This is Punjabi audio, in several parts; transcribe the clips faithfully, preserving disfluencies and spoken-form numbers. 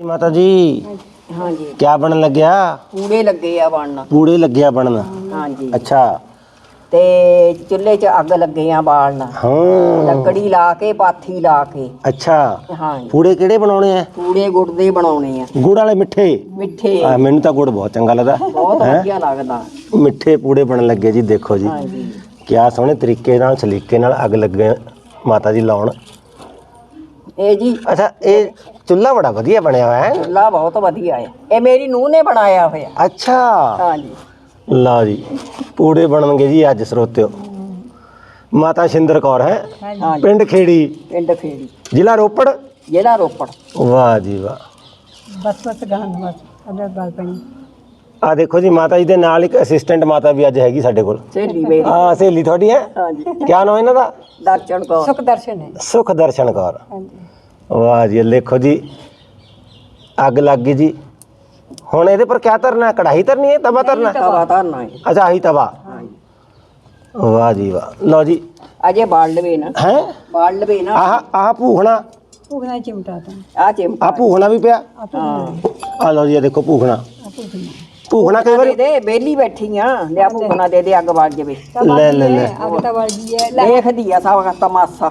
माता जी हाँ जी क्या बनन लग गया? पूड़े लगे आ बनन। पूड़े लग गया बनन। हाँ जी अच्छा ते चुल्हे च अग लगे आ बालन हाँ लकड़ी ला के पाथी ला के। अच्छा हाँ जी पूड़े किहड़े बनाने हैं? पूड़े गुड़ दे बनाने आ गुड़ वाले मिठे? मिठे आ, मैनू तो गुड़ बहुत चंगा लगदा बहुत है। वधिया लगदा। मिठे पूड़े बनन लगे जी। देखो जी हाँ जी क्या सोहने तरीके नाल सलीके नाल अग लगे माता जी लाउण। ए जी अच्छा ये चुल्हा बड़ा वधिया बनया होया है। चुल्हा बहुत वधिया है। ये मेरी नूह ने बनाया होया। अच्छा हाँ जी लो जी पूड़े बननगे जी अज सरोत्यो। माता शिंदर कौर है हाँ जी पिंड खेड़ी पिंड खेड़ी जिला रोपड़। जिला रोपड़। वाह जी वाह। बस बस गहन बस अदर गल पई आ देखो जी माता जी दे नाल एक असिस्टेंट माता भी अज हैगी साडे कोल। सहेली मेरी। हाँ सहेली थोड़ी है। हाँ जी क्या नाम इन्हां दा? दर्शन कौर सुख दर्शन है। सुख दर्शन कौर। हाँ जी वाह जी देखो जी अग लग गई जी। हुण इहदे पर क्या धरना है? कढ़ाई धरनी है तवा धरना है? तवा धरना है। अच्छा आही तवा। वाह जी वाह। लो जी अजे बाल लवे ना हैं बाल लवे ना आह आह भूखना भूखना चिमटा आ चिमटा आ भूखना भी पिया। हाँ आ लो जी देखो भूखना भूखना कई दे बार दे बेली बैठी आ लिया भूखना दे दे अग बाल जवे ले ले ले अग तो बाल दी है देख दिया सब का तमाशा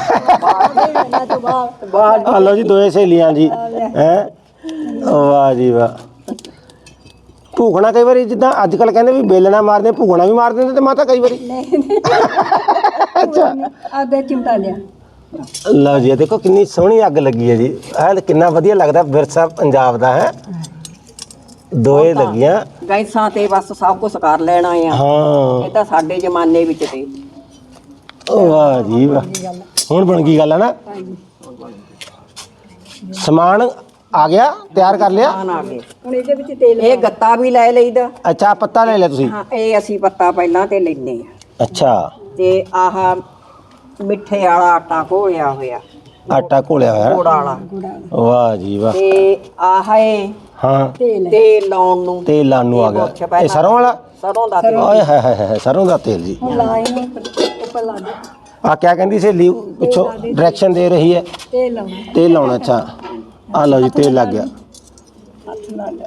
बाल आ लो जी दोए सहेलियां जी हैं। वाह जी वाह। भूखना कई बार जिद्दां अजकल कहंदे भी बेलना मारदे भूखना भी मार दिंदे ते माता कई बारी। अच्छा आधे चिमटा लिया लो जी देखो कितनी सोहनी अग लगी है जी। है कितना वधिया लगदा विरसा पंजाब दा है। दोए लगियां गैसां ते बस सब कुछ कर लेना है। हाँ ਇਹ ਤਾਂ ਸਾਡੇ ਜ਼ਮਾਨੇ ਵਿੱਚ ਤੇ वाह जी वाह। हुण बन गई गल है ना। समान आ गया तैयार कर लिया। ਆਣ ਆ ਗਏ ਹੁਣ ਇਹਦੇ ਵਿੱਚ ਤੇਲ ਇਹ ਗੱਤਾ ਵੀ ਲੈ ਲਈਦਾ। अच्छा पत्ता ले लिया तुसी? ਹਾਂ ਇਹ ਅਸੀਂ ਪੱਤਾ ਪਹਿਲਾਂ ਤੇ ਲੈਨੇ ਆ अच्छा ਤੇ ਆਹ ਮਿੱਠੇ ਵਾਲਾ ਆਟਾ ਘੋਲਿਆ ਹੋਇਆ आटा घोलिया होया ਗੁੜ ਵਾਲਾ वाह जी वाह। ਤੇ ਆਹ ਏ हाँ ਤੇਲ ਲਾਉਣ ਨੂੰ तेल लानू आ गया ये सरों वाला। ਸਰੋਂ ਦਾ ਤੇਲ ओए हाय हाय हाय सरों दा तेल जी। ਉੱਪਰ ਲਾ ਦੇ आ क्या कहंदी सहेली पिछों डायरेक्शन दे रही है? ਤੇਲ ਲਾਉਣਾ तेल लाउना। अच्छा आ लो जी तेल लग गया। ਹੱਥ ਨਾਲ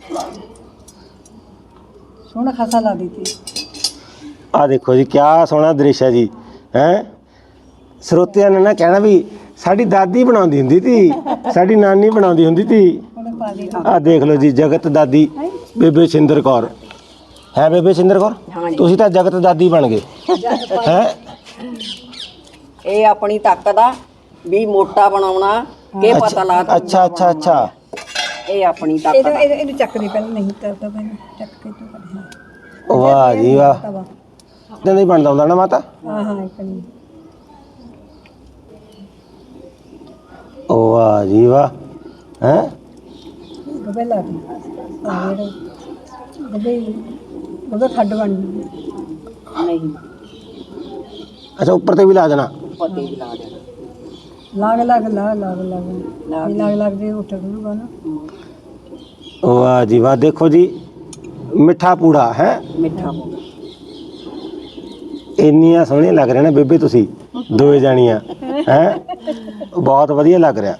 ਸੋਹਣਾ ਖਾਸਾ ਲਾ ਦਿੱਤੀ। आ देखो जी क्या सोहना दृश्य है जी हैं। ਸਰੋਤਿਆਂ ਨੇ ਨਾ ਕਹਿਣਾ ਵੀ ਸਾਡੀ ਦਾਦੀ ਬਣਾਉਂਦੀ ਹੁੰਦੀ ਸੀ ਸਾਡੀ ਨਾਨੀ ਬਣਾਉਂਦੀ ਹੁੰਦੀ ਸੀ। ਆ ਦੇਖ ਲਓ ਜੀ ਜਗਤ ਦਾਦੀ ਬੇਬੇ ਸਿੰਦਰ ਕੌਰ ਹੈ। ਬੇਬੇ ਸਿੰਦਰ ਕੌਰ ਤੁਸੀਂ ਤਾਂ ਜਗਤ ਦਾਦੀ ਬਣ ਗਏ ਹੈ। ਇਹ ਆਪਣੀ ਤਾਕਤ ਆ ਵੀ ਮੋਟਾ ਬਣਾਉਣਾ ਕਿ ਪਤਾ ਲਾ। ਅੱਛਾ ਅੱਛਾ ਅੱਛਾ ਇਹ ਆਪਣੀ ਤਾਕਤ ਆ। ਇਹਨੂੰ ਚੱਕ ਦੇ ਪਹਿਲਾਂ ਨਹੀਂ ਕਰਦਾ ਪਹਿਲਾਂ ਚੱਕ ਕੇ ਤੂੰ ਕਰ। ਵਾਹ ਜੀ ਵਾਹ। ਇਦਾਂ ਦਾ ਹੀ ਬਣਦਾ ਹੁੰਦਾ ਨਾ ਮਾਤਾ। ਹਾਂ ਹਾਂ ਇੱਕ ਨਹੀਂ ਵਾਹ ਜੀ ਵਾਹ ਹੈ। ਗਵੇ ਲਾ ਦੇ ਆਵੇ ਗਵੇ ਗਵੇ ਖੱਡ ਬਣ ਨਹੀਂ ਅੱਛਾ ਉੱਪਰ ਤੇ ਵੀ ਲਾ ਦੇਣਾ? ਉੱਪਰ ਤੇ ਵੀ ਲਾ ਦੇਣਾ। ਲਾਗ ਲਾਗ ਲਾ ਲਾਗ ਲਾਗ ਲਾਗ ਲਾਗ ਦੇ ਉੱਠ ਕਰੂਗਾ ਨਾ। ਵਾਹ ਜੀ ਵਾਹ। ਦੇਖੋ ਜੀ ਮਿੱਠਾ ਪੂੜਾ ਹੈ। ਮਿੱਠਾ ਇੰਨੀਆਂ ਸੋਹਣੀਆਂ ਲੱਗ ਰਹੀਆਂ ਨੇ ਬੇਬੇ ਤੁਸੀਂ ਦੋਏ ਜਾਣੀਆਂ ਹੈ। ਬਹੁਤ ਵਧੀਆ ਲੱਗ ਰਿਹਾ।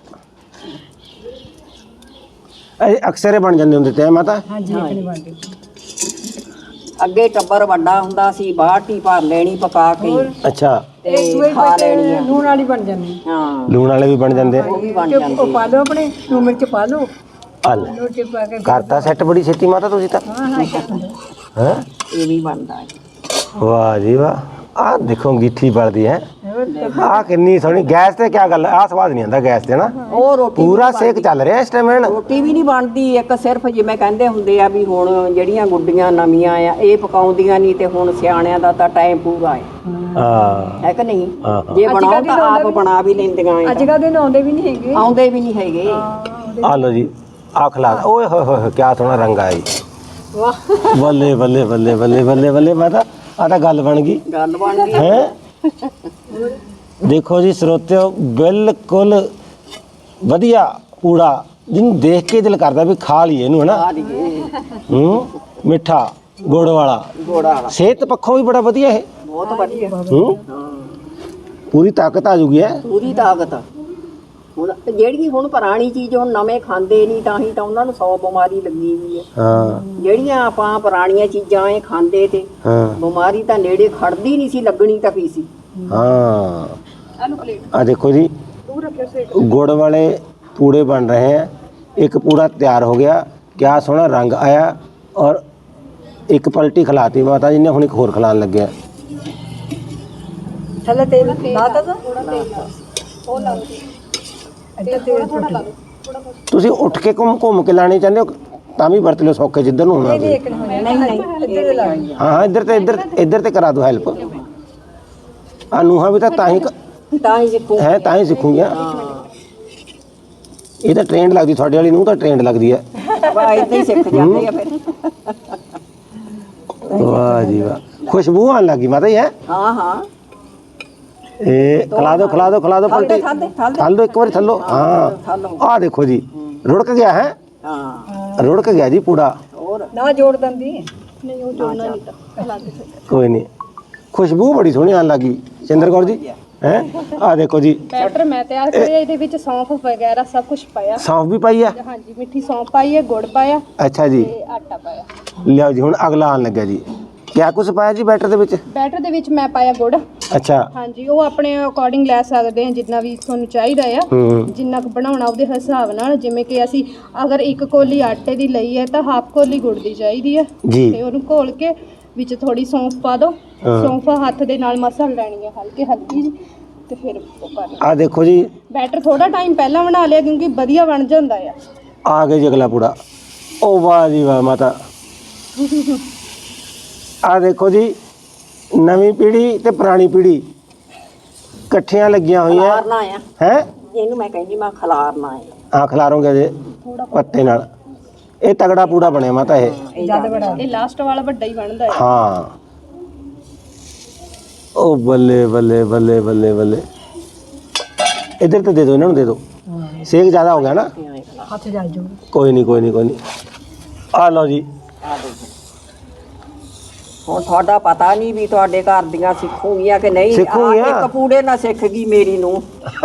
ਇਹ ਅਕਸਰ ਬਣ ਜਾਂਦੇ ਹੁੰਦੇ ਤੇ ਮਾਤਾ। ਹਾਂਜੀ ਇੱਕ ਬਣ ਗਈ। ਅੱਗੇ ਟੱਬਰ ਵੱਡਾ ਹੁੰਦਾ ਸੀ ਬਾਲਟੀ ਭਰ ਲੈਣੀ ਪਕਾ ਕੇ। ਅੱਛਾ ਤੇ ਖਾ ਲੈਣੀ ਆ। ਲੂਣ ਵਾਲੀ ਬਣ ਜਾਂਦੀ। ਹਾਂ ਲੂਣ ਵਾਲੇ ਵੀ ਬਣ ਜਾਂਦੇ। ਉਹ ਵੀ ਬਣ ਜਾਂਦੇ। ਉਹ ਪਾ ਲਓ ਆਪਣੇ ਲੂਣ ਮਿਰਚ ਪਾ ਲਓ। ਹਲ ਲੋਟੇ ਪਾ ਕੇ ਕਰਤਾ ਸੈੱਟ ਬੜੀ ਛੇਤੀ ਮਾਤਾ ਤੁਸੀਂ ਤਾਂ। ਹਾਂ ਹਾਂ ਹੈ ਇਹ ਵੀ ਬਣਦਾ ਹੈ। ਵਾਹ ਜੀ ਵਾਹ। ਆਹ ਦੇਖੋ ਗਿੱਠੀ ਬਲਦੀ ਹੈ। ਆਹ ਕਿੰਨੀ ਸੋਹਣੀ। ਗੈਸ ਤੇ ਕੀ ਗੱਲ ਆਹ ਸਵਾਦ ਨਹੀਂ ਆਉਂਦਾ ਗੈਸ ਤੇ ਨਾ। ਉਹ ਰੋਟੀ ਪੂਰਾ ਸੇਕ ਚੱਲ ਰਿਹਾ ਇਸ ਟਾਈਮ। ਰੋਟੀ ਵੀ ਨਹੀਂ ਬਣਦੀ। ਇੱਕ ਸਿਰਫ ਜਿਵੇਂ ਕਹਿੰਦੇ ਹੁੰਦੇ ਆ ਵੀ ਹੁਣ ਜਿਹੜੀਆਂ ਗੁੱਡੀਆਂ ਨਵੀਆਂ ਆ ਇਹ ਪਕਾਉਂਦੀਆਂ ਨਹੀਂ ਤੇ ਹੁਣ ਸਿਆਣਿਆਂ ਦਾ ਤਾਂ ਟਾਈਮ ਪੂਰਾ ਹੈ। ਹਾਂ ਹੈ ਕਿ ਨਹੀਂ? ਹਾਂ ਜੇ ਬਣਾਓ ਤਾਂ ਆਪ ਬਣਾ ਵੀ ਲੈਂਦੀਆਂ ਆ। ਅੱਜ ਕੱਲ੍ਹ ਦੇ ਆਉਂਦੇ ਵੀ ਨਹੀਂ ਹੈਗੇ। ਆਉਂਦੇ ਵੀ ਨਹੀਂ ਹੈਗੇ। ਆ ਲੋ ਜੀ ਆ ਖਲਾ। ਓਏ ਹੋਏ ਹੋਏ ਕੀ ਸੋਹਣਾ ਰੰਗ ਆਇਆ ਜੀ। ਵਾਹ ਬੱਲੇ ਬੱਲੇ ਬੱਲੇ ਬੱਲੇ ਬੱਲੇ ਬੱਲੇ ਮਾਤਾ ਆ ਤਾਂ ਗੱਲ ਬਣ ਗਈ। ਗੱਲ ਬਣ ਗਈ ਹੈ। ਦੇਖੋ ਜੀ ਸਰੋਤਿਓ ਬਿਲਕੁਲ ਵਧੀਆ ਪੂੜਾ ਜਿਹਨੂੰ ਦੇਖ ਕੇ ਦਿਲ ਕਰਦਾ ਵੀ ਖਾ ਲਈਏ ਇਹਨੂੰ ਹੈ ਨਾ। ਆ ਲਈਏ। ਹੂੰ ਮਿੱਠਾ ਗੁੜ ਵਾਲਾ ਗੋੜਾ ਵਾਲਾ ਸਿਹਤ ਪੱਖੋਂ ਵੀ ਬੜਾ ਵਧੀਆ ਇਹ। ਬਹੁਤ ਵਧੀਆ। ਹੂੰ ਪੂਰੀ ਤਾਕਤ ਆ ਜੂਗੀ ਹੈ। ਪੂਰੀ ਤਾਕਤ। ਹੁਣ ਜਿਹੜੀ ਹੁਣ ਪੁਰਾਣੀ ਚੀਜ਼ ਹੁਣ ਨਵੇਂ ਖਾਂਦੇ ਨਹੀਂ ਤਾਂ ਹੀ ਤਾਂ ਉਹਨਾਂ ਨੂੰ ਸੌ ਬਿਮਾਰੀ ਲੱਗੀ ਹੋਈ ਹੈ। ਹਾਂ ਜਿਹੜੀਆਂ ਆਪਾਂ ਪੁਰਾਣੀਆਂ ਚੀਜ਼ਾਂ ਇਹ ਖਾਂਦੇ ਤੇ ਹਾਂ ਬਿਮਾਰੀ ਤਾਂ ਨੇੜੇ ਖੜਦੀ ਨਹੀਂ ਸੀ, ਲੱਗਣੀ ਤਾਂ ਕੀ ਸੀ। ਹਾਂ ਆ ਦੇਖੋ ਜੀ गुड़ वाले पूड़े बन रहे हैं। एक पूड़ा तैयार हो गया, क्या सोहना रंग आया और एक पलटी खिलाती माता जी ने, हुण एक होर खिलान लग गया। ਥੱਲੇ ਤੇਲ ਲਾਤਾ ਤਾਂ ਉਹ ਲਾ ਇੱਧਰ ਤੇਲ ਥੋੜਾ ਲਾ ਤੁਸੀਂ ਉੱਠ ਕੇ ਘੁੰਮ ਘੁੰਮ ਕੇ ਲਾਣੀ ਚਾਹੁੰਦੇ ਹੋ ਤਾਂ ਵੀ ਵਰਤ ਲਿਓ, ਸੌਖੇ ਜਿੱਧਰ ਨੂੰ ਹੋਣਾ ਤੁਸੀਂ। ਨਹੀਂ ਨਹੀਂ ਇੱਧਰ ਲਾਣੀ ਹਾਂ ਹਾਂ ਇੱਧਰ ਤੇ ਇੱਧਰ ਇੱਧਰ ਤੇ ਕਰਾ ਦਿਓ ਹੈਲਪ। ਆ ਨੂੰਹਾਂ ਵੀ ਤਾਂ ਤਾਂ ਹੀ ਤਾਂ ਹੀ ਸਿੱਖੂ ਹੈ ਤਾਂ ਹੀ ਸਿੱਖੂਗੀਆਂ। ਇਹ ਤਾਂ ਟ੍ਰੇਨਡ ਲੱਗਦੀ, ਤੁਹਾਡੇ ਵਾਲੀ ਨੂੰ ਤਾਂ ਟ੍ਰੇਨਡ ਲੱਗਦੀ ਹੈ। ਬਾ ਇਦਾਂ ਹੀ ਸਿੱਖ ਜਾਂਦੇ ਆ ਫਿਰ। ਵਾਹ ਜੀ ਵਾਹ, ਖੁਸ਼ਬੂ ਆਉਣ ਲੱਗੀ ਮਾਤਾ ਜੀ ਹੈ। ਹਾਂ ਹਾਂ ਇਹ ਖਿਲਾ ਦਿਓ ਖਿਲਾ ਦਿਓ ਖਿਲਾ ਦਿਓ ਪਲਟੀ ਥੱਲੇ ਥੱਲੇ ਥੱਲ ਦਿਓ ਇੱਕ ਵਾਰੀ ਥੱਲੋ। ਹਾਂ ਆਹ ਦੇਖੋ ਜੀ ਰੁੜਕ ਗਿਆ ਹੈ, ਹਾਂ ਰੁੜਕ ਗਿਆ ਜੀ ਪੂੜਾ। ਹੋਰ ਨਾ ਜੋੜ ਦਿੰਦੀ ਨਹੀਂ ਉਹ ਜੋੜਨਾ ਨਹੀਂ ਤਾਂ ਕੋਈ ਨਹੀਂ, ਖੁਸ਼ਬੂ ਬੜੀ ਸੋਹਣੀ ਆਉਣ ਲੱਗੀ ਸਿੰਦਰ ਕੌਰ ਜੀ ਹੈ। ਆਹ ਦੇਖੋ ਜੀ ਬੈਟਰ ਮੈਂ ਤਿਆਰ ਕਰਿਆ, ਇਹਦੇ ਵਿੱਚ ਸੌਂਫ ਵਗੈਰਾ ਸਭ ਕੁਝ ਪਾਇਆ। ਸੌਂਫ ਵੀ ਪਾਈ ਆ। ਹਾਂਜੀ ਮਿੱਠੀ ਸੌਂਫ ਪਾਈ ਹੈ, ਗੁੜ ਪਾਇਆ ਅੱਛਾ ਜੀ, ਤੇ ਆਟਾ ਪਾਇਆ। ਲਿਆਓ ਜੀ ਹੁਣ ਅਗਲਾ ਆਉਣ ਲੱਗਿਆ ਜੀ। ਕਿਆ ਕੁਛ ਪਾਇਆ ਜੀ ਬੈਟਰ ਦੇ ਵਿੱਚ? ਬੈਟਰ ਦੇ ਵਿੱਚ ਮੈਂ ਪਾਇਆ ਗੁੜ। ਅੱਛਾ ਹਾਂਜੀ ਉਹ ਆਪਣੇ ਅਕੋਰਡਿੰਗ ਲੈ ਸਕਦੇ ਆ, ਜਿੰਨਾ ਵੀ ਤੁਹਾਨੂੰ ਚਾਹੀਦਾ ਆ, ਹੂੰ ਜਿੰਨਾ ਕੁ ਬਣਾਉਣਾ ਉਹਦੇ ਹਿਸਾਬ ਨਾਲ। ਜਿਵੇਂ ਕਿ ਅਸੀਂ ਅਗਰ ਇੱਕ ਕੋਲੀ ਆਟੇ ਦੀ ਲਈ ਹੈ ਤਾਂ ਹਾਫ ਕੋਲੀ ਗੁੜ ਦੀ ਚਾਹੀਦੀ ਹੈ। ਜੀ ਤੇ ਉਹਨੂੰ ਘੋਲ ਕੇ ਵਿੱਚ ਥੋੜੀ ਸੌਂਫ ਪਾ ਦਿਓ। ਸੌਂਫ ਹੱਥ ਦੇ ਨਾਲ ਮਸਲ ਲੈਣੀ ਹੈ ਹਲਕੇ ਹਲਕੀ ਜੀ, ਤੇ ਫਿਰ ਉਹ ਕਰ ਆਹ ਦੇਖੋ ਜੀ ਬੈਟਰ ਥੋੜਾ ਟਾਈਮ ਪਹਿਲਾਂ ਬਣਾ ਲਿਆ ਕਿਉਂਕਿ ਵਧੀਆ ਬਣ ਜਾਂਦਾ ਆ। ਆ ਗਏ ਜੀ ਅਗਲਾ ਪੂੜਾ। ਉਹ ਵਾਹ ਜੀ ਵਾਹ ਮਾਤਾ। ਆ ਦੇਖੋ ਜੀ ਨਵੀਂ ਪੀੜ੍ਹੀ ਤੇ ਪੁਰਾਣੀ ਪੀੜ੍ਹੀ ਇਕੱਠੀਆਂ ਲੱਗੀਆਂ ਹੋਈਆਂ ਖਲਾਰਨਾ ਆ ਹੈ। ਇਹਨੂੰ ਮੈਂ ਕਹਿੰਦੀ ਮੈਂ ਖਲਾਰਨਾ ਆ। ਆ ਖਿਲਾਰੋਗੇ ਜੇ ਪੱਤੇ ਨਾਲ। ਇਹ ਤਗੜਾ ਪੂੜਾ ਬਣਿਆ ਮਾਤਾ ਇਹ। ਜਦ ਬੜਾ ਇਹ ਲਾਸਟ ਵਾਲਾ ਵੱਡਾ ਹੀ ਬਣਦਾ ਹੈ। ਹਾਂ ਉਹ ਬੱਲੇ ਬੱਲੇ ਬੱਲੇ ਬੱਲੇ ਬੱਲੇ। ਇੱਧਰ ਤੇ ਦੇ ਦਿਓ, ਇਹਨਾਂ ਨੂੰ ਦੇ ਦਿਓ। ਸੇਕ ਜ਼ਿਆਦਾ ਹੋ ਗਿਆ ਨਾ। ਹੱਥ ਜਲ ਜੂ ਕੋਈ ਨਹੀਂ ਕੋਈ ਨਹੀਂ ਕੋਈ ਨਹੀਂ। ਆ ਲਓ ਜੀ। ਆ ਦੇਖੋ ਹੁਣ ਤੁਹਾਡਾ ਪਤਾ ਨਹੀਂ ਵੀ ਤੁਹਾਡੇ ਘਰ ਦੀਆਂ ਸਿੱਖੂਗੀਆਂ ਕਿ ਨਹੀਂ। ਸਿੱਖੂਗੀਆਂ। ਆਹ ਇੱਕ ਪੂੜੇ ਨਾਲ ਸਿੱਖ ਗਈ ਮੇਰੀ ਨੂੰ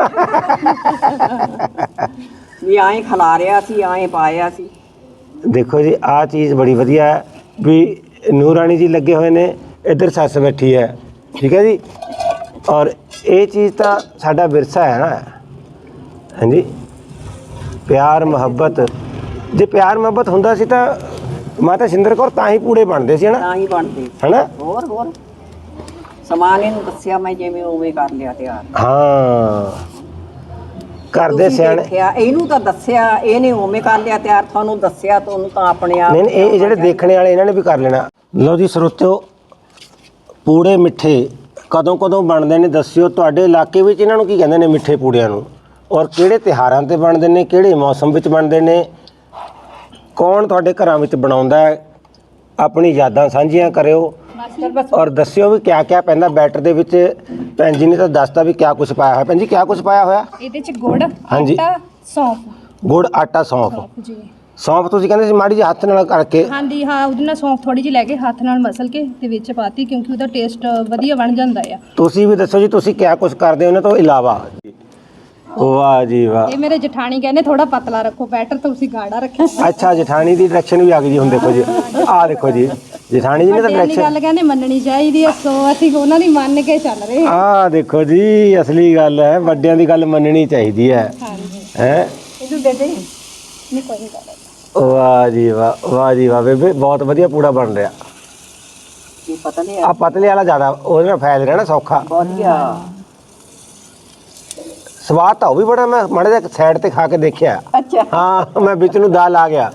ਵੀ ਐਂ ਖਲਾਰਿਆ ਸੀ, ਐਂ ਪਾਇਆ ਸੀ। ਦੇਖੋ ਜੀ ਆਹ ਚੀਜ਼ ਬੜੀ ਵਧੀਆ ਹੈ ਵੀ ਨੂਰਾਨੀ ਜੀ ਲੱਗੇ ਹੋਏ ਨੇ, ਇੱਧਰ ਸੱਸ ਬੈਠੀ ਹੈ, ਠੀਕ ਹੈ ਜੀ। ਔਰ ਇਹ ਚੀਜ਼ ਤਾਂ ਸਾਡਾ ਵਿਰਸਾ ਹੈ ਨਾ। ਹਾਂਜੀ ਪਿਆਰ ਮੁਹੱਬਤ, ਜੇ ਪਿਆਰ ਮੁਹੱਬਤ ਹੁੰਦਾ ਸੀ ਤਾਂ ਮਾਤਾ ਸਿੰਦਰ ਕੌਰ ਤਾਂ ਹੀ ਪੂੜੇ ਬਣਦੇ ਸੀ, ਹੈ ਨਾ ਤਾਂ ਹੀ ਬਣਦੇ ਹੈ ਨਾ। ਹੋਰ ਹੋਰ ਸਮਾਨ ਇਹਨੂੰ ਦੱਸਿਆ ਮੈਂ ਜਿਵੇਂ ਉਵੇਂ ਕਰ ਲਿਆ ਤਿਆਰ। ਹਾਂ ਘਰ ਦੇ ਤੁਸੀਂ ਸਿਆਣੇ। ਦੇਖਿਆ, ਇਹਨੂੰ ਤਾਂ ਦੱਸਿਆ, ਇਹਨੇ ਉਵੇਂ ਕਰ ਲਿਆ ਤਿਆਰ, ਤੁਹਾਨੂੰ ਦੱਸਿਆ ਤੁਹਾਨੂੰ ਤਾਂ ਆਪਣੇ ਆਪ। ਨਹੀਂ ਨਹੀਂ ਇਹ ਜਿਹੜੇ ਦੇਖਣੇ ਵਾਲੇ ਇਹਨਾਂ ਨੇ ਵੀ ਕਰ ਲੈਣਾ। ਲਓ ਜੀ ਸਰੋਤਿਓ, ਪੂੜੇ ਮਿੱਠੇ ਕਦੋਂ ਕਦੋਂ ਬਣਦੇ ਨੇ ਦੱਸਿਓ। ਤੁਹਾਡੇ ਇਲਾਕੇ ਵਿੱਚ ਇਹਨਾਂ ਨੂੰ ਕੀ ਕਹਿੰਦੇ ਨੇ ਮਿੱਠੇ ਪੂੜਿਆਂ ਨੂੰ? ਔਰ ਕਿਹੜੇ ਤਿਉਹਾਰਾਂ ਤੇ ਬਣਦੇ ਨੇ, ਕਿਹੜੇ ਮੌਸਮ ਵਿੱਚ ਬਣਦੇ ਨੇ, ਕੌਣ ਤੁਹਾਡੇ ਘਰਾਂ ਵਿੱਚ ਬਣਾਉਂਦਾ ਹੈ? ਆਪਣੀ ਯਾਦਾਂ ਸਾਂਝੀਆਂ ਕਰਿਓ ਔਰ ਦੱਸਿਓ ਵੀ ਕਿਆ ਕਿਆ ਪੈਂਦਾ ਬੈਟਰ ਦੇ ਵਿੱਚ। ਭੈਣ ਜੀ ਨੇ ਤਾਂ ਦੱਸਤਾ ਵੀ ਕਿਆ ਕੁਛ ਪਾਇਆ ਹੋਇਆ। ਭੈਣ ਜੀ ਕਿਆ ਕੁਛ ਪਾਇਆ ਹੋਇਆ? ਇਹਦੇ ਚ ਗੁੜ, ਹਾਂਜੀ। ਆਟਾ, ਸੌਂਫ ਗੁੜ, ਆਟਾ, ਸੌਂਫ। ਜੀ। ਸੌਂਫ ਤੁਸੀਂ ਕਹਿੰਦੇ ਸੀ ਮਾੜੀ ਜਿਹੀ ਹੱਥ ਨਾਲ ਕਰਕੇ। ਹਾਂਜੀ ਹਾਂ, ਉਹਦੇ ਨਾਲ ਸੌਂਫ ਥੋੜੀ ਜਿਹੀ ਲੈ ਕੇ ਹੱਥ ਨਾਲ ਮਸਲ ਕੇ ਤੇ ਵਿੱਚ ਪਾਤੀ ਕਿਉਂਕਿ ਉਹਦਾ ਟੇਸਟ ਵਧੀਆ ਬਣ ਜਾਂਦਾ ਆ। ਤੁਸੀਂ ਵੀ ਦੱਸੋ ਜੀ ਤੁਸੀਂ ਕਿਆ ਕੁਛ ਕਰਦੇ ਹੋ ਇਹਨਾਂ ਤੋਂ ਇਲਾਵਾ? ਵਾਹ ਜੀ ਵਾਹ। ਇਹ ਮੇਰੇ ਜਠਾਣੀ ਕਹਿੰਦੇ ਥੋੜਾ ਪਤਲਾ ਰੱਖੋ ਬੈਟਰ, ਤੁਸੀਂ ਗਾੜਾ ਰੱਖਿਆ। ਅੱਛਾ ਜਠਾਣੀ ਦੀ ਡਾਇਰੈਕਸ਼ਨ ਵੀ ਆ ਗਈ ਜੀ। ਹੁਣ ਦੇਖੋ ਜੀ ਆਹ ਦੇਖੋ ਜੀ ਜਠਾਣੀ ਜੀ ਨੇ ਤਾਂ ਵੱਡਿਆਂ ਦੀ ਡਾਇਰੈਕਸ਼ਨ। ਗੱਲ ਕਹਿੰਦੇ ਮੰਨਣੀ ਚਾਹੀਦੀ ਹੈ, ਸੋ ਅਸੀਂ ਉਹਨਾਂ ਦੀ ਮੰਨ ਕੇ ਚੱਲ ਰਹੇ ਹਾਂ। ਆਹ ਦੇਖੋ ਜੀ ਅਸਲੀ ਗੱਲ ਹੈ, ਵੱਡਿਆਂ ਦੀ ਗੱਲ ਮੰਨਣੀ ਚਾਹੀਦੀ ਹੈ। ਹਾਂਜੀ ਹੈ ਇਹਨੂੰ ਦੇ ਦੇ ਨਹੀਂ ਕੋਈ ਗੱਲ। ਵਾਹ ਜੀ ਵਾਹ, ਵਾਹ ਜੀ ਵਾਹ ਬੇਬੇ, ਬਹੁਤ ਵਧੀਆ ਪੂੜਾ ਬਣ ਰਿਹਾ। ਕੀ ਪਤਾ ਨਹੀਂ ਆ ਪਤਲੇ ਵਾਲਾ ਜ਼ਿਆਦਾ ਉਹਦੇ ਨਾਲ ਫੈਲ ਰਿਹਾ ਨਾ ਸੌਖਾ। ਵਧੀਆ। ਸਵਾਦ ਤਾਂ ਉਹ ਵੀ ਬੜਾ, ਮੈਂ ਮਾੜਾ ਜਿਹਾ ਸਾਈਡ ਤੇ ਖਾ ਕੇ ਦੇਖਿਆ। ਅੱਛਾ ਹਾਂ ਮੈਂ ਵਿੱਚ ਨੂੰ ਦਾਲ ਆ ਗਿਆ।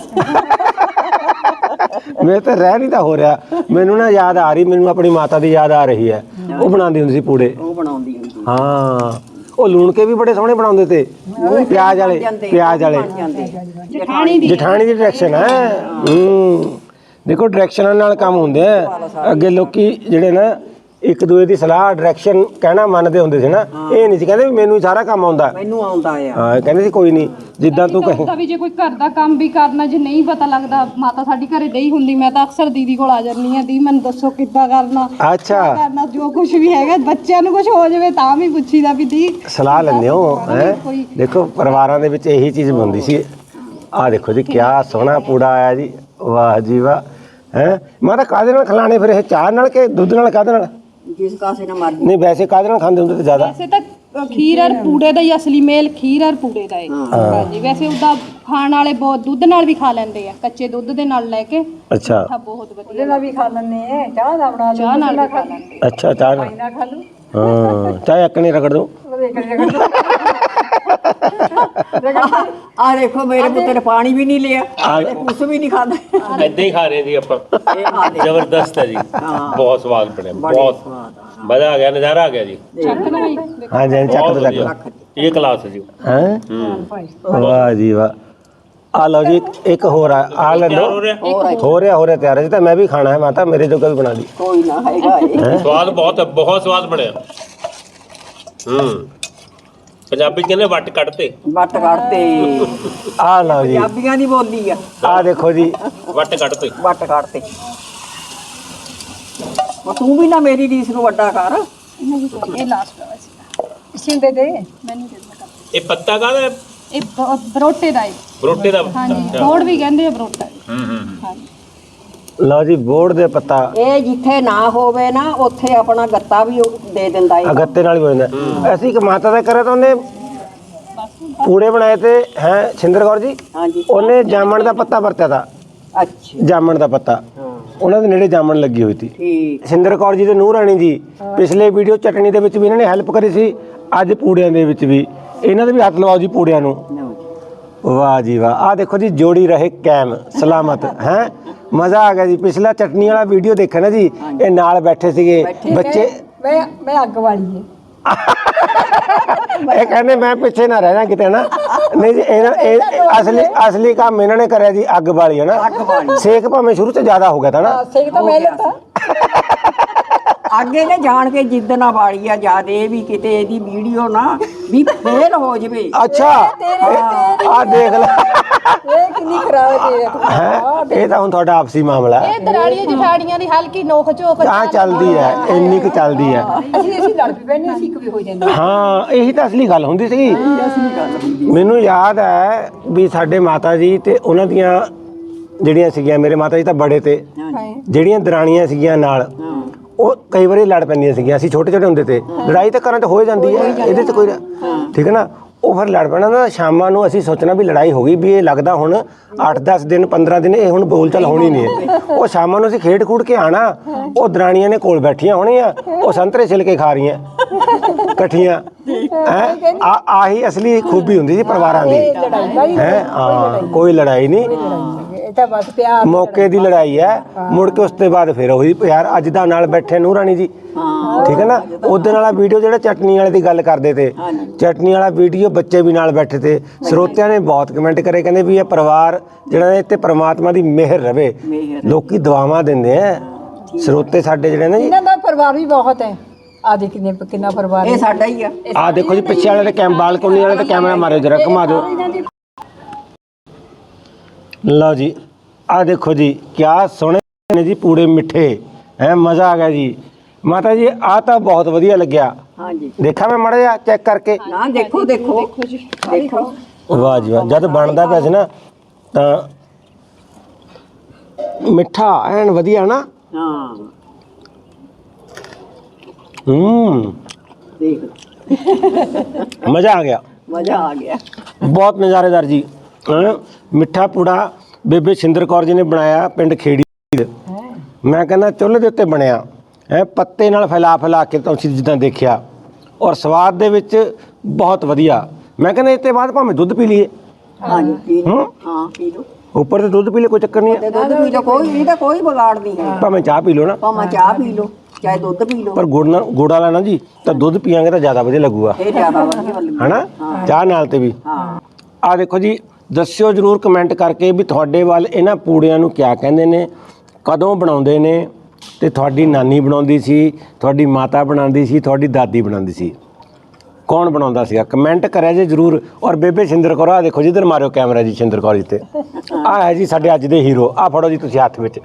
ਮੈਂ ਤਾਂ ਰਹਿ ਨਹੀਂ ਤਾਂ ਹੋ ਰਿਹਾ। ਮੈਨੂੰ ਨਾ ਯਾਦ ਆ ਰਹੀ, ਮੈਨੂੰ ਆਪਣੀ ਮਾਤਾ ਦੀ ਯਾਦ ਆ ਰਹੀ ਹੈ। ਉਹ ਬਣਾਉਂਦੀ ਹੁੰਦੀ ਸੀ ਪੂੜੇ। ਉਹ ਬਣਾਉਂਦੀ ਹੁੰਦੀ। ਹਾਂ ਉਹ ਲੂਣ ਕੇ ਵੀ ਬੜੇ ਸੋਹਣੇ ਬਣਾਉਂਦੇ ਤੇ, ਪਿਆਜ਼ ਵਾਲੇ ਪਿਆਜ਼ ਵਾਲੇ। ਜਠਾਣੀ ਦੀ ਜਠਾਣੀ ਦੀ ਡਾਇਰੈਕਸ਼ਨ ਹੈ। ਹੂੰ ਦੇਖੋ ਡਾਇਰੈਕਸ਼ਨਾਂ ਨਾਲ ਕੰਮ ਹੁੰਦੇ ਆ। ਅੱਗੇ ਲੋਕੀ ਜਿਹੜੇ ਨਾ ਇੱਕ ਦੂਏ ਦੀ ਸਲਾਹ ਡਾਇਰੈਕਸ਼ਨ ਕਹਿਣਾ ਮੰਨਦੇ ਹੁੰਦੇ ਸੀ ਨਾ। ਇਹ ਨਹੀਂ ਸੀ ਕਹਿੰਦੇ ਵੀ ਮੈਨੂੰ ਹੀ ਸਾਰਾ ਕੰਮ ਆਉਂਦਾ। ਮੈਨੂੰ ਆਉਂਦਾ ਆ। ਹਾਂ ਕਹਿੰਦੇ ਸੀ ਕੋਈ ਨਹੀਂ ਜਿੱਦਾਂ ਤੂੰ ਕਹੇ। ਤਾਂ ਵੀ ਜੇ ਕੋਈ ਘਰ ਦਾ ਕੰਮ ਵੀ ਕਰਨਾ ਜੇ ਨਹੀਂ ਪਤਾ ਲੱਗਦਾ, ਮਾਤਾ ਸਾਡੀ ਘਰੇ ਨਹੀਂ ਹੁੰਦੀ, ਮੈਂ ਤਾਂ ਅਕਸਰ ਦੀਦੀ ਕੋਲ ਆ ਜਾਂਦੀ ਆ, ਦੀ ਮੈਨੂੰ ਦੱਸੋ ਕਿੱਦਾਂ ਕਰਨਾ, ਅੱਛਾ ਕਰਨਾ ਜੋ ਕੁਝ ਵੀ ਹੈਗਾ। ਬੱਚਿਆਂ ਨੂੰ ਕੁਝ ਹੋ ਜਾਵੇ ਤਾਂ ਵੀ ਪੁੱਛੀਦਾ ਵੀ ਦੀ ਸਲਾਹ ਲੈਂਦੇ ਹੋ ਹੈ। ਦੇਖੋ ਪਰਿਵਾਰਾਂ ਦੇ ਵਿੱਚ ਇਹੀ ਚੀਜ਼ ਹੁੰਦੀ ਸੀ। ਆਹ ਦੇਖੋ ਜੀ ਕਿਆ ਸੋਹਣਾ ਪੂੜਾ ਆਇਆ ਜੀ, ਵਾਹ ਜੀ ਵਾਹ ਹੈ। ਮੈਂ ਤਾਂ ਕਾਹਦੇ ਨਾਲ ਖਿਲਾਣੇ ਫਿਰ ਇਹ, ਚਾਹ ਨਾਲ ਕਿ ਦੁੱਧ ਨਾਲ, ਕਾਹਦੇ ਨਾਲ? ਜਿਸ ਕਾਸੇ ਨਾਲ ਮਰਜ਼ੀ। ਨਹੀਂ ਵੈਸੇ ਕਾਹਦੇ ਨਾਲ ਖਾਂਦੇ ਹੁੰਦੇ ਤੇ ਜ਼ਿਆਦਾ? ਵੈਸੇ ਤਾਂ ਖੀਰ ਔਰ ਪੂੜੇ ਦਾ ਹੀ ਅਸਲੀ ਮੇਲ ਖੀਰ ਔਰ ਪੂੜੇ ਦਾ ਹੈ। ਹਾਂਜੀ ਵੈਸੇ ਉਹਦਾ ਖਾਣ ਵਾਲੇ ਬਹੁਤ ਦੁੱਧ ਨਾਲ ਵੀ ਖਾ ਲੈਂਦੇ ਆ, ਕੱਚੇ ਦੁੱਧ ਦੇ ਨਾਲ ਲੈ ਕੇ। ਅੱਛਾ ਮਿੱਠਾ ਬਹੁਤ ਵਧੀਆ ਨਾਲ ਵੀ ਖਾ ਲੈਂਦੇ ਆ, ਚਾਹ ਦਾ ਬਣਾ ਚਾਹ ਨਾਲ ਵੀ ਖਾ ਲੈਂਦੇ। ਅੱਛਾ ਚਾਹ ਨਾਲ ਨਾ ਖਾ ਲੂ ਹਾਂ ਚਾਹ ਇੱਕ ਨਹੀਂ ਰਗੜ ਦੋ। ਆ ਦੇਖੋ ਮੇਰੇ ਪੁੱਤ ਨੇ ਪਾਣੀ ਵੀ ਨਹੀਂ ਲਿਆ, ਕੁਛ ਵੀ ਨਹੀਂ ਖਾਦਾ। ਏਦਾਂ ਹੀ ਖਾ ਰਹੇ ਜੀ ਆਪਾਂ। ਇਹ ਆ ਦੇ ਜ਼ਬਰਦਸਤ ਹੈ ਜੀ, ਬਹੁਤ ਸਵਾਦ ਬਣਿਆ, ਬਹੁਤ ਮਜ਼ਾ ਆ ਗਿਆ, ਨਜ਼ਾਰਾ ਆ ਗਿਆ ਜੀ। ਚੱਕ ਨਾ ਬਈ ਹਾਂ ਜੀ ਚੱਕ ਬਹੁਤ ਤੋਂ ਵਧੀਆ। ਚੱਕ ਇਹ ਕਲਾਸ ਹੈ ਜੀ। ਹੈ। ਵਾਹ ਜੀ ਵਾਹ। ਆ ਲਓ ਜੀ ਇੱਕ- ਇੱਕ ਹੋਰ ਆ ਆ ਲੈ ਲਓ। ਹੋ ਰਿਹਾ ਹੋ ਰਿਹਾ ਹੋ ਰਿਹਾ ਤਿਆਰ ਹੈ ਜੀ। ਤਾਂ ਮੈਂ ਵੀ ਖਾਣਾ ਹੈ ਮਾਤਾ, ਮੇਰੇ ਜੋਗਾ ਵੀ ਬਣਾ ਲਈ। ਕੋਈ ਨਾ ਹੈਗਾ ਇਹ। ਸਵਾਦ ਬਹੁਤ, ਬਹੁਤ ਸਵਾਦ ਬਣਿਆ। ਹੂੰ ਪੰਜਾਬੀ ਕਹਿੰਦੇ ਵੱਟ ਕੱਢਤੇ। ਵੱਟ ਕੱਢਤੇ, ਆ ਲਓ ਜੀ ਪੰਜਾਬੀਆਂ ਦੀ ਬੋਲੀ ਆ। ਆ ਦੇਖੋ ਜੀ ਵੱਟ ਕੱਢਤੇ। ਵੱਟ ਕੱਢਤੇ। ਉਹ ਤੂੰ ਵੀ ਨਾ ਮੇਰੀ ਰੀਸ ਨੂੰ ਵੱਡਾ ਕਰ। ਇਹ ਲਾਸਟ ਵਾਲਾ ਸੀ, ਸਿੰਦੇ ਦੇ ਮੈਨੂੰ ਦੇ ਦਿਓ। ਇਹ ਪੱਤਾ ਕਾਹਦਾ ਹੈ? ਇਹ ਬ- ਬਰੋਟੇ ਦਾ ਹੈ। ਬਰੋਟੇ ਦਾ। ਹਾਂਜੀ ਬੋੜ ਵੀ ਕਹਿੰਦੇ ਆ ਬਰੋਟਾ। ਹੂੰ ਹੂੰ ਹਾਂਜੀ ਲਓ ਜੀ ਬੋੜ ਦੇ ਪੱਤਾ ਇਹ ਜਿੱਥੇ ਨਾ ਹੋਵੇ ਨਾ ਉੱਥੇ ਆਪਣਾ ਗੱਤਾ ਵੀ ਉਹ ਦੇ ਦਿੰਦਾ ਹੈ। ਅਗੱਤੇ ਨਾਲ ਹੀ ਹੋ ਜਾਂਦਾ। ਅਸੀਂ ਇੱਕ ਮਾਤਾ ਦਾ ਕਰਿਆ ਤਾਂ ਉਹਨੇ ਪੂੜੇ ਬਣਾਏ ਤੇ ਹੈ ਛਿੰਦਰ ਕੌਰ ਜੀ, ਹਾਂਜੀ ਉਹਨੇ ਜਾਮਣ ਦਾ ਪੱਤਾ ਵਰਤਿਆ ਤਾ। ਅੱਛਾ ਜਾਮਣ ਦਾ ਪੱਤਾ ਉਹਨਾਂ ਦੇ ਨੇੜੇ ਜਾਮਣ ਲੱਗੀ ਹੋਈ ਸੀ। ਠੀਕ। ਸਿੰਦਰ ਕੌਰ ਜੀ ਤੇ ਨੂਰ ਰਾਣੀ ਜੀ ਪਿਛਲੇ ਵੀਡੀਓ ਚਟਣੀ ਦੇ ਵਿੱਚ ਵੀ ਇਹਨਾਂ ਨੇ ਹੈਲਪ ਕਰੀ ਸੀ, ਅੱਜ ਪੂੜਿਆਂ ਦੇ ਵਿੱਚ ਵੀ ਇਹਨਾਂ ਦੇ ਵੀ ਹੱਥ ਲਵਾਓ ਜੀ ਪੂੜਿਆਂ ਨੂੰ। ਲਓ ਜੀ। ਵਾਹ ਜੀ ਵਾਹ। ਆ ਦੇਖੋ ਜੀ ਜੋੜੀ ਰਹੇ ਕਾਇਮ ਸਲਾਮਤ ਹੈ। ਮਜ਼ਾ ਆ ਗਿਆ ਜੀ। ਪਿਛਲਾ ਚਟਨੀ ਵਾਲਾ ਵੀਡੀਓ ਦੇਖਿਆ ਨਾ ਜੀ, ਇਹ ਨਾਲ ਬੈਠੇ ਸੀਗੇ ਬੱਚੇ। ਮੈਂ ਮੈਂ ਅੱਗ ਵਾਲੀ ਹੈ। ਇਹ ਕਹਿੰਦੇ ਮੈਂ ਪਿੱਛੇ ਨਾ ਰਹਿਣਾ ਕਿਤੇ ਨਾ। ਨਹੀਂ ਜੀ ਇਹਨਾਂ ਇਹ ਅਸਲੀ ਅਸਲੀ ਕੰਮ ਇਹਨਾਂ ਨੇ ਕਰਿਆ ਜੀ, ਅੱਗ ਬਾਲੀ ਹੈ ਨਾ। ਸੇਕ ਭਾਵੇਂ ਸ਼ੁਰੂ ਤੋਂ ਜ਼ਿਆਦਾ ਹੋ ਗਿਆ ਤਾਂ ਨਾ। ਸੇਕ ਤਾਂ ਮੈਂ ਲੱਤਾ। ਅੱਗੇ ਨੇ ਜਾਣ ਕੇ ਜਿੱਦ ਨਾ ਵਾਲੀ ਆ ਜਿਆਦੇ ਵੀ ਕਿਤੇ ਇਹਦੀ ਵੀਡੀਓ ਨਾ ਵੀ ਫੇਲ ਹੋ ਜਵੇ। ਅੱਛਾ ਆ ਦੇਖ ਲੈ ਇਹ ਕਿੰਨੀ ਖਰਾਬ ਹੈ ਤੇਰੇ। ਹੈ। ਇਹ ਤਾਂ ਹੁਣ ਤੁਹਾਡਾ ਆਪਸੀ ਮਾਮਲਾ ਹੈ। ਇਹ ਦਰਾੜੀਆਂ ਜਠਾੜੀਆਂ ਦੀ ਹਲਕੀ ਨੋਕ ਝੋਕ ਤਾਂ ਚੱਲਦੀ ਹੈ, ਇੰਨੀ ਕੁ ਚੱਲਦੀ ਹੈ। ਅਸੀਂ ਅਸੀਂ ਲੜ ਵੀ ਪੈਣੇ, ਅਸੀਂ ਇੱਕ ਵੀ ਹੋ ਜਾਂਦੇ। ਹਾਂ ਇਹੀ ਤਾਂ ਅਸਲੀ ਗੱਲ ਹੁੰਦੀ ਸੀ। ਮੈਨੂੰ ਯਾਦ ਹੈ ਵੀ ਸਾਡੇ ਮਾਤਾ ਜੀ ਤੇ ਉਹਨਾਂ ਦੀਆਂ ਜਿਹੜੀਆਂ ਸੀਗੀਆਂ, ਮੇਰੇ ਮਾਤਾ ਜੀ ਤਾਂ ਬੜੇ ਤੇ ਜਿਹੜੀਆਂ ਦਰਾਣੀਆਂ ਸੀਗੀਆਂ ਨਾਲ, ਉਹ ਕਈ ਵਾਰੀ ਲੜ ਪੈਂਦੀਆਂ ਸੀਗੀਆਂ। ਅਸੀਂ ਛੋਟੇ ਛੋਟੇ ਹੁੰਦੇ ਤੇ ਲੜਾਈ ਤਾਂ ਘਰਾਂ 'ਚ ਹੋ ਜਾਂਦੀ ਹੈ, ਇਹਦੇ 'ਚ ਕੋਈ ਠੀਕ ਹੈ ਨਾ। ਉਹ ਫਿਰ ਲੜ ਪੈਣਾ ਨਾ, ਸ਼ਾਮਾਂ ਨੂੰ ਅਸੀਂ ਸੋਚਣਾ ਵੀ ਲੜਾਈ ਹੋ ਗਈ, ਵੀ ਇਹ ਲੱਗਦਾ ਹੁਣ ਅੱਠ ਦਸ ਦਿਨ ਪੰਦਰਾਂ ਦਿਨ ਇਹ ਹੁਣ ਬੋਲ ਚਾਲ ਹੋਣੀ ਨਹੀਂ ਹੈ। ਉਹ ਸ਼ਾਮਾਂ ਨੂੰ ਅਸੀਂ ਖੇਡ ਖੂਡ ਕੇ ਆਣਾ, ਉਹ ਦਰਾਣੀਆਂ ਨੇ ਕੋਲ ਬੈਠੀਆਂ ਹੋਣੀਆਂ, ਉਹ ਸੰਤਰੇ ਛਿਲ ਕੇ ਖਾ ਰਹੀਆਂ ਇਕੱਠੀਆਂ ਹੈ। ਆ ਆਹੀ ਅਸਲੀ ਖੂਬੀ ਹੁੰਦੀ ਸੀ ਪਰਿਵਾਰਾਂ ਦੀ ਹੈ। ਹਾਂ ਕੋਈ ਲੜਾਈ ਨਹੀਂ, ਇਹ ਤਾਂ ਬਸ ਪਿਆਰ ਮੌਕੇ ਦੀ ਲੜਾਈ ਹੈ। ਮੁੜ ਕੇ ਉਸ ਤੋਂ ਬਾਅਦ ਫਿਰ ਉਹੀ ਯਾਰ ਅੱਜ ਦਾ ਨਾਲ ਬੈਠੇ ਨੂਰ ਰਾਣੀ ਜੀ, ਠੀਕ ਹੈ ਨਾ। ਉਦੋਂ ਵਾਲਾ ਵੀਡੀਓ ਜਿਹੜਾ ਚਟਨੀ ਵਾਲੇ ਦੀ ਗੱਲ ਕਰਦੇ ਤੇ, ਚਟਨੀ ਵਾਲਾ ਵੀਡੀਓ ਬੱਚੇ ਵੀ ਨਾਲ ਬੈਠੇ ਤੇ। ਸਰੋਤਿਆਂ ਨੇ ਬਹੁਤ ਕਮੈਂਟ ਕਰੇ, ਕਹਿੰਦੇ ਵੀ ਇਹ ਪਰਿਵਾਰ ਜਿਹੜਾ ਇਹ ਤੇ ਪ੍ਰਮਾਤਮਾ ਦੀ ਮਿਹਰ ਰਵੇ। ਲੋਕੀ ਦੁਆਵਾਂ ਦਿੰਦੇ ਆ ਸਰੋਤੇ ਸਾਡੇ ਜਿਹੜੇ ਨੇ ਜੀ। ਇਹਨਾਂ ਦਾ ਪਰਿਵਾਰ ਵੀ ਬਹੁਤ ਹੈ। ਆ ਦੇ ਕਿੰਨੇ ਕਿੰਨਾ ਪਰਿਵਾਰ ਇਹ ਸਾਡਾ ਹੀ ਆ। ਆ ਦੇਖੋ ਜੀ ਪਿੱਛੇ ਵਾਲੇ ਤੇ ਕੈਮ ਬਾਲਕੋਨੀ ਵਾਲੇ ਤੇ ਕੈਮਰਾ ਮਾਰਿਓ ਜਰਾ, ਘੁਮਾ ਦਿਓ। ਲਓ ਜੀ ਆ ਦੇਖੋ ਜੀ ਕਿਆ ਸੋਹਣੇ ਨੇ ਜੀ ਪੂੜੇ ਮਿੱਠੇ ਹੈ। ਮਜ਼ਾ ਆ ਗਿਆ ਜੀ। ਮਾਤਾ ਜੀ ਆ ਤਾਂ ਬਹੁਤ ਵਧੀਆ ਲੱਗਿਆ। ਹਾਂਜੀ ਦੇਖਾ ਮੈਂ ਮਾੜਾ ਜਿਹਾ ਚੈੱਕ ਕਰਕੇ। ਨਾ ਦੇਖੋ ਦੇਖੋ ਦੇਖੋ। ਵਾਹ ਜੀ ਵਾਹ। ਜਦ ਬਣਦਾ ਪਿਆ ਸੀ ਨਾ ਤਾਂ ਮਿੱਠਾ ਐਨ ਵਧੀਆ ਨਾ। ਹਾਂ ਹੂੰ ਦੇਖ ਮਜ਼ਾ ਆ ਗਿਆ, ਮਜ਼ਾ ਆ ਗਿਆ। ਬਹੁਤ ਨਜ਼ਾਰੇਦਾਰ ਜੀ। ਹੈਂ। ਮਿੱਠਾ ਪੂੜਾ ਬੇਬੇ ਸਿੰਦਰ ਕੌਰ ਜੀ ਨੇ ਬਣਾਇਆ ਪਿੰਡ ਖੇੜੀ। ਮੈਂ ਕਹਿੰਦਾ ਚੁੱਲ੍ਹੇ ਦੇ ਉੱਤੇ ਬਣਿਆ ਹੈ, ਪੱਤੇ ਨਾਲ ਫੈਲਾ ਫੈਲਾ ਕੇ ਤੁਸੀਂ ਜਿੱਦਾਂ ਦੇਖਿਆ, ਔਰ ਸਵਾਦ ਦੇ ਵਿੱਚ ਬਹੁਤ ਵਧੀਆ। ਮੈਂ ਕਹਿੰਦਾ ਇਸ ਤੋਂ ਬਾਅਦ ਭਾਵੇਂ ਦੁੱਧ ਪੀ ਲਈਏ। ਹਾਂਜੀ ਪੀ ਲਓ। ਹੂੰ ਹਾਂ ਪੀ ਲਓ। ਉੱਪਰ ਤੇ ਦੁੱਧ ਪੀ ਲਈਏ, ਕੋਈ ਚੱਕਰ ਨਹੀਂ ਤੇ ਹੈ। ਦੁੱਧ ਪੀ ਲਓ, ਕੋਈ ਇਹਦਾ ਕੋਈ ਵਿਗਾੜ ਨਹੀਂ ਹੈ। ਭਾਵੇਂ ਚਾਹ ਪੀ ਲਓ ਨਾ, ਭਾਵੇਂ ਚਾਹ ਪੀ ਲਓ ਚਾਹੇ ਦੁੱਧ ਪੀ ਲਓ, ਪਰ ਗੁੜ ਨਾਲ ਗੁੜ ਵਾਲਾ ਨਾ ਜੀ, ਤਾਂ ਦੁੱਧ ਪੀਆਂਗੇ ਤਾਂ ਜ਼ਿਆਦਾ ਵਧੀਆ ਲੱਗੂਗਾ ਇਹ ਜ਼ਿਆਦਾ ਵਧੀਆ ਲੱਗਦਾ। ਹਨਾ ਚਾਹ ਨਾਲ ਤੇ ਵੀ। ਹਾਂ ਆ ਦੇਖੋ ਜੀ, ਦੱਸਿਓ ਜਰੂਰ ਕਮੈਂਟ ਕਰਕੇ ਵੀ ਤੁਹਾਡੇ ਵੱਲ ਇਹਨਾਂ ਪੂੜਿਆਂ ਨੂੰ ਕਿਆ ਕਹਿੰਦੇ ਨੇ, ਕਦੋਂ ਬਣਾਉਂਦੇ ਨੇ ਤੇ ਤੁਹਾਡੀ ਨਾਨੀ ਬਣਾਉਂਦੀ ਸੀ, ਤੁਹਾਡੀ ਮਾਤਾ ਬਣਾਉਂਦੀ ਸੀ, ਤੁਹਾਡੀ ਦਾਦੀ ਬਣਾਉਂਦੀ ਸੀ, ਕੌਣ ਬਣਾਉਂਦਾ ਸੀਗਾ? ਕਮੈਂਟ ਕਰਿਆ ਜੇ ਜ਼ਰੂਰ। ਔਰ ਬੇਬੇ ਸ਼ਿੰਦਰ ਕੌਰ, ਆ ਦੇਖੋ ਜਿੱਧਰ ਮਾਰਿਓ ਕੈਮਰਾ ਜੀ, ਸ਼ਿੰਦਰ ਕੌਰ ਜੀ ਤੇ ਆ ਹੈ ਜੀ ਸਾਡੇ ਅੱਜ ਦੇ ਹੀਰੋ। ਆ ਫੜੋ ਜੀ ਤੁਸੀਂ ਹੱਥ ਵਿੱਚ,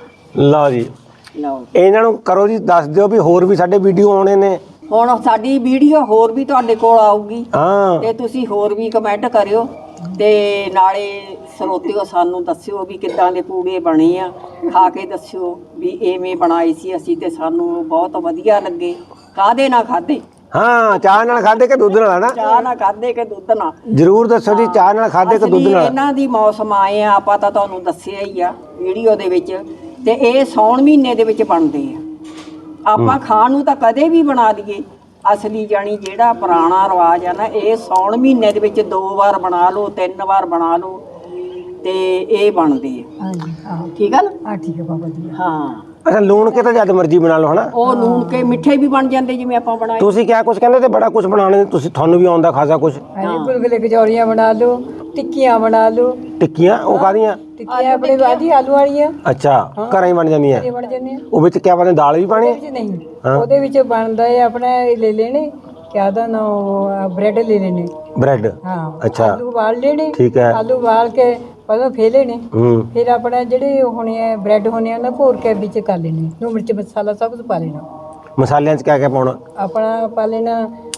ਲਓ ਜੀ ਲਓ ਇਹਨਾਂ ਨੂੰ ਕਰੋ ਜੀ, ਦੱਸ ਦਿਓ ਵੀ ਹੋਰ ਵੀ ਸਾਡੇ ਵੀਡੀਓ ਆਉਣੇ ਨੇ। ਹੁਣ ਸਾਡੀ ਵੀਡੀਓ ਹੋਰ ਵੀ ਤੁਹਾਡੇ ਕੋਲ ਆਊਗੀ ਹਾਂ ਤੇ ਤੁਸੀਂ ਹੋਰ ਵੀ ਕਮੈਂਟ ਕਰਿਓ ਤੇ ਨਾਲੇ ਸਰੋਤਿਓ ਸਾਨੂੰ ਦੱਸਿਓ ਵੀ ਕਿੱਦਾਂ ਦੇ ਪੂੜੇ ਬਣੇ ਆ, ਖਾ ਕੇ ਦੱਸਿਓ ਵੀ ਐਵੇਂ ਬਣਾਏ ਸੀ ਅਸੀਂ ਤੇ ਸਾਨੂੰ ਬਹੁਤ ਵਧੀਆ ਲੱਗੇ। ਕਾਹਦੇ ਨਾਲ ਖਾਦੇ? ਹਾਂ, ਚਾਹ ਨਾਲ ਖਾਦੇ ਕਿ ਦੁੱਧ ਨਾਲ? ਨਾ ਚਾਹ ਨਾਲ ਖਾਦੇ ਕਿ ਦੁੱਧ ਨਾਲ? ਜ਼ਰੂਰ ਦੱਸੋ ਜੀ, ਚਾਹ ਨਾਲ ਖਾਦੇ ਕਿ ਦੁੱਧ ਅਸਲੀ ਨਾਲ? ਇਹਨਾਂ ਦੀ ਮੌਸਮ ਆਏ ਆ, ਆਪਾਂ ਤਾਂ ਤੁਹਾਨੂੰ ਦੱਸਿਆ ਹੀ ਆ ਵੀਡੀਓ ਦੇ ਵਿੱਚ, ਤੇ ਇਹ ਸੌਣ ਮਹੀਨੇ ਦੇ ਵਿੱਚ ਬਣਦੇ ਆ। ਆਪਾਂ ਖਾਣ ਨੂੰ ਤਾਂ ਕਦੇ ਵੀ ਬਣਾ ਲਈਏ, ਅਸਲੀ ਜਾਣੀ ਜਿਹੜਾ ਪੁਰਾਣਾ ਰਿਵਾਜ ਆ ਨਾ, ਇਹ ਸੌਣ ਮਹੀਨੇ ਦੇ ਵਿੱਚ ਦੋ ਵਾਰ ਬਣਾ ਲਓ, ਤਿੰਨ ਵਾਰ ਬਣਾ ਲਓ ਤੇ ਇਹ ਬਣਦੇ ਆ। ਹਾਂਜੀ ਹਾਂ ਠੀਕ ਆ ਨਾ? ਆ ਠੀਕ ਹੈ ਬਾਬਾ ਜੀ। ਹਾਂ, ਅੱਛਾ, ਲੂਣ ਕੇ ਤਾਂ ਜਦ ਮਰਜ਼ੀ ਬਣਾ ਲਓ ਹਨਾ। ਉਹ ਨੂਣ ਕੇ ਮਿੱਠੇ ਵੀ ਬਣ ਜਾਂਦੇ ਜਿਵੇਂ ਆਪਾਂ ਬਣਾਏ। ਤੁਸੀਂ ਕਿਆ ਕੁਝ ਕਹਿੰਦੇ ਤੇ ਬੜਾ ਕੁਝ ਬਣਾਉਣੇ, ਤੁਸੀਂ ਤੁਹਾਨੂੰ ਵੀ ਆਉਂਦਾ ਖਾਸਾ ਕੁਝ। ਹਾਂਜੀ ਗੁਲਗੁਲੇ ਕਚੌਰੀਆਂ ਬਣਾ ਲਓ, ਟਿੱਕੀਆਂ ਬਣਾ ਲਓ। ਟਿੱਕੀਆਂ ਉਹ ਕਾਹਦੀਆਂ? ਟਿੱਕੀਆਂ ਆਪਣੇ ਬਾਜੀ ਆਲੂ ਵਾਲੀਆਂ ਅੱਛਾ, ਘਰਾਂ ਹੀ ਬਣ ਜਾਂਦੀਆਂ। ਇਹ ਬਣ ਜਾਂਦੇ ਆ। ਉਹ ਵਿੱਚ ਕਿਆ ਪਾਉਂਦੇ, ਦਾਲ ਵੀ ਪਾਣੀ? ਉਹਦੇ ਵਿੱਚ ਨਹੀਂ, ਉਹਦੇ ਵਿੱਚ ਬਣਦਾ ਹੈ ਆਪਣਾ ਇਹ ਲੈ ਲੈਣੇ, ਕਿਆ ਦਾ ਨਾ ਬ੍ਰੈਡ ਲੈ ਲੈਣੇ। ਬ੍ਰੈਡ? ਹਾਂ ਅੱਛਾ ਆਲੂ ਉਬਾਲ ਲੈਣੇ। ਠੀਕ ਹੈ। ਆਲੂ ਉਬਾਲ ਕੇ ਪਹਿਲਾਂ ਫੇਲੇ ਨੇ, ਹੂੰ ਫਿਰ ਆਪਣਾ ਜਿਹੜੇ ਹੋਣੇ ਆ ਬ੍ਰੈਡ ਹੋਣੇ ਆ ਨਾ ਘੋਰ ਕੇ ਵਿੱਚ ਕਰ ਲੈਣੇ, ਨੂੰ ਮਿਰਚ ਮਸਾਲਾ ਸਭ ਕੁਝ ਪਾ ਲੈਣਾ। ਮਸਾਲਿਆਂ 'ਚ ਕਿਆ ਕਿਆ ਪਾਉਣਾ? ਆਪਣਾ ਪਾ ਲੈਣਾ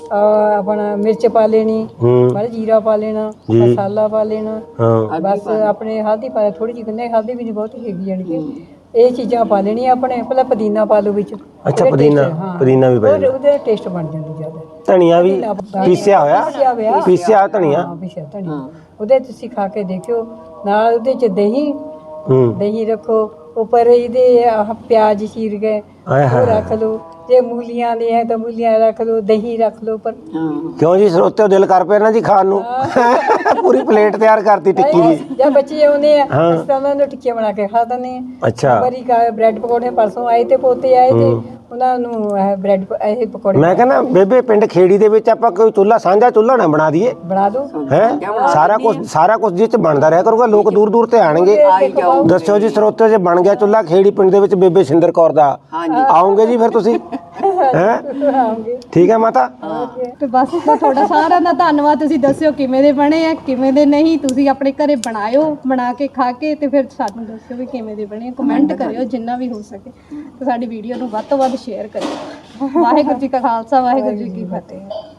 ਅਹ ਆਪਣਾ ਮਿਰਚ ਪਾ ਲੈਣੀ, ਹੂੰ ਮਾੜਾ ਜੀਰਾ ਪਾ ਲੈਣਾ, ਜੀ। ਮਸਾਲਾ ਪਾ ਲੈਣਾ, ਹਾਂ ਬਸ ਆਪਣੇ ਹਲਦੀ ਪਾ ਥੋੜੀ ਜਿਹੀ, ਕਿੰਨੇ ਹਲਦੀ ਵੀ ਨਹੀਂ ਬਹੁਤੀ ਹੈਗੀ ਜਾਣੀ ਕਿ ਇਹ ਚੀਜ਼ਾਂ ਪਾ ਲੈਣੀਆਂ ਆਪਣੇ। ਪਹਿਲਾਂ ਪੁਦੀਨਾ ਪਾ ਲਓ ਵਿੱਚ। ਅੱਛਾ, ਉਹਦਾ ਪੁਦੀਨਾ taste, ਹਾਂ। ਪੁਦੀਨਾ ਵੀ ਪੈ ਉਹਦੇ- ਜਾਂਦਾ। ਉਹਦਾ ਟੇਸਟ ਬਣ ਜਾਂਦਾ ਜ਼ਿਆਦਾ। ਧਨੀਆ ਵੀ ਪੀਸਿਆ ਹੋਇਆ? ਪੀਸਿਆ ਹੋਇਆ। ਪੀਸਿਆ ਧਨੀਆ? ਹਾਂ ਪੀਸਿਆ ਧਨੀਆ। ਉਹਦੇ ਤੁਸੀਂ ਖਾ ਕੇ ਦੇਖਿਓ। ਨਾਲ ਉਹਦੇ ਚ ਦਹੀਂ, ਹੂੰ ਦਹੀਂ ਰੱਖੋ ਉੱਪਰ, ਇਹਦੇ ਆਹ ਪਿਆਜ਼ ਚੀਰ ਕੇ ਆਏ ਉਹ ਹਾਏ। ਰੱਖ ਲਓ। ਜੇ ਮੂਲੀਆਂ ਦੇ ਹੈ ਤਾਂ ਮੂਲੀਆਂ ਰੱਖ ਲਓ, ਦਹੀਂ ਰੱਖ ਲਓ ਉੱਪਰ। ਹਾਂ, ਕਿਉਂ ਜੀ, ਸਰੋਤਿਓ ਦਿਲ ਕਰ ਪਿਆ ਨਾ ਜੀ ਖਾਣ ਨੂੰ? ਪੂਰੀ ਪਲੇਟ ਤਿਆਰ ਕਰਤੀ ਟਿੱਕੀ ਦੀ। ਜਦ ਬੱਚੇ ਆਉਂਦੇ ਆ ਹਾਂ। ਅਸੀਂ ਤਾਂ ਉਹਨਾਂ ਨੂੰ ਟਿੱਕੀਆਂ ਬਣਾ ਕੇ ਖਾ ਦਿੰਦੇ ਆ। ਅੱਛਾ, ਬਰੀ ਕਾ ਬ੍ਰੈਡ ਪਕੌੜੇ ਪਰਸੋਂ ਆਏ ਤੇ ਪੋਤੇ ਆਏ ਤੇ ਉਹਨਾਂ ਨੂੰ ਇਹ ਬ੍ਰੈਡ ਪ- ਇਹ ਪਕੌੜੇ ਮੈਂ ਕਹਿੰਦਾ ਬੇਬੇ ਪਿੰਡ ਖੇੜੀ ਦੇ ਵਿੱਚ ਆਪਾਂ ਕੋਈ ਚੁੱਲ੍ਹਾ, ਸਾਂਝਾ ਚੁੱਲ੍ਹਾ ਨਾ ਬਣਾ ਦਈਏ ਬਣਾ ਦਿਓ। ਹੈ? ਸਾਰਾ ਕੁਝ ਸਾਰਾ ਕੁਝ ਜਿਹ 'ਚ ਬਣਦਾ ਰਿਹਾ ਕਰੂਗਾ, ਲੋਕ ਦੂਰ ਦੂਰ ਤੇ ਆਣਗੇ। ਆਈ ਜਾਓ। ਦੱਸਿਓ ਜੀ ਸਰੋਤਿਓ, ਜੇ ਬਣ ਗਿਆ ਚੁੱਲ੍ਹਾ ਖੇੜੀ ਪਿੰਡ ਦੇ ਵਿੱਚ ਬੇਬੇ ਸ਼ਿੰਦਰ ਕੌਰ ਦਾ, ਹਾਂਜੀ। ਆਉਂਗੇ ਜੀ ਫਿਰ ਤੁਸੀਂ? ਹੈ ਆਉਂਗੇ। ਠੀਕ ਹੈ ਮਾਤਾ? ਤੇ ਬਸ ਤਾਂ ਤੁਹਾਡਾ ਸਾਰਿਆਂ ਦਾ ਧੰਨਵਾਦ। ਤੁਸੀਂ ਦੱਸਿਓ ਕਿਵੇਂ ਦੇ ਬਣੇ ਆ, ਕਿਵੇਂ ਦੇ ਨਹੀਂ। ਤੁਸੀਂ ਆਪਣੇ ਘਰੇ ਬਣਾਇਓ, ਬਣਾ ਕੇ ਖਾ ਕੇ ਤੇ ਫਿਰ ਸਾਨੂੰ ਦੱਸਿਓ ਵੀ ਕਿਵੇਂ ਦੇ ਬਣੇ। ਕਮੈਂਟ ਕਰਿਓ ਜਿੰਨਾ ਵੀ ਹੋ ਸਕੇ, ਤੇ ਸਾਡੀ ਵੀਡੀਓ ਨੂੰ ਵੱਧ ਤੋਂ ਵੱਧ ਸ਼ੇਅਰ ਕਰਿਓ। ਵਾਹਿਗੁਰੂ ਜੀ ਕਾ ਖਾਲਸਾ, ਵਾਹਿਗੁਰੂ ਜੀ ਕੀ ਫਤਿਹ।